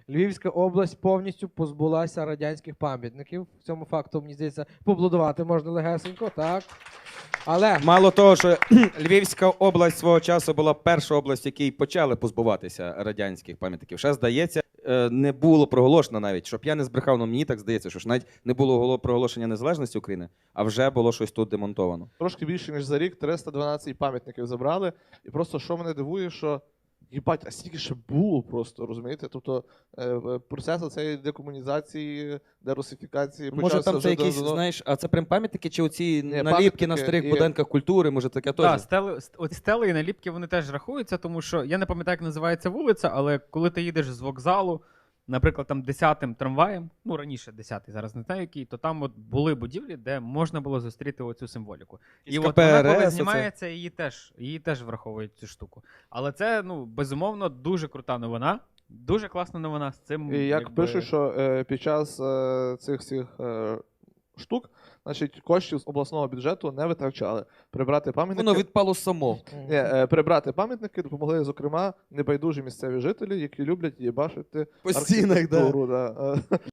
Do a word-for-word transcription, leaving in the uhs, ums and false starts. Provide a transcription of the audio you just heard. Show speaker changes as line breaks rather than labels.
Львівська область повністю позбулася радянських пам'ятників. Цьому факту, мені здається, поаплодувати можна легесенько, так. Але
Мало того, що Львівська область свого часу була перша область, в якій почали позбуватися радянських пам'ятників. Ще, здається, е, не було проголошено навіть, щоб я не збрехав, але мені так здається, що ж навіть не було голо- проголошення незалежності України, а вже було щось тут демонтовано.
Трошки більше, ніж за рік, триста дванадцять пам'ятників забрали. І просто що мене дивує, що їбать, а стільки ще було просто, розумієте? Тобто е, е, процес цієї декомунізації, дерусифікації
Може
почався
там це
вже
якісь,
давно.
знаєш, а це прям пам'ятники чи оці
Ні,
наліпки
пам'ятники
на старих
і-
будинках культури, може таке теж?
Так, стели, ст- оці стели і наліпки вони теж рахуються, тому що я не пам'ятаю, як називається вулиця, але коли ти їдеш з вокзалу, наприклад, там десятим трамваєм, ну раніше десятий, зараз не знаю який, то там от були будівлі, де можна було зустріти оцю символіку. І от вона, коли
КПРС,
знімається, її теж, її теж враховують цю штуку. Але це, ну, безумовно, дуже крута новина. Дуже класна новина з цим.
І як
якби,
пишуть, що е, під час е, цих всіх е, штук, значить, коштів з обласного бюджету не витрачали. Прибрати пам'ятники.
Воно відпало само.
Ні, е, прибрати пам'ятники допомогли, зокрема, небайдужі місцеві жителі, які люблять їбашити
По стінах, да.
архітектуру. Да. Е,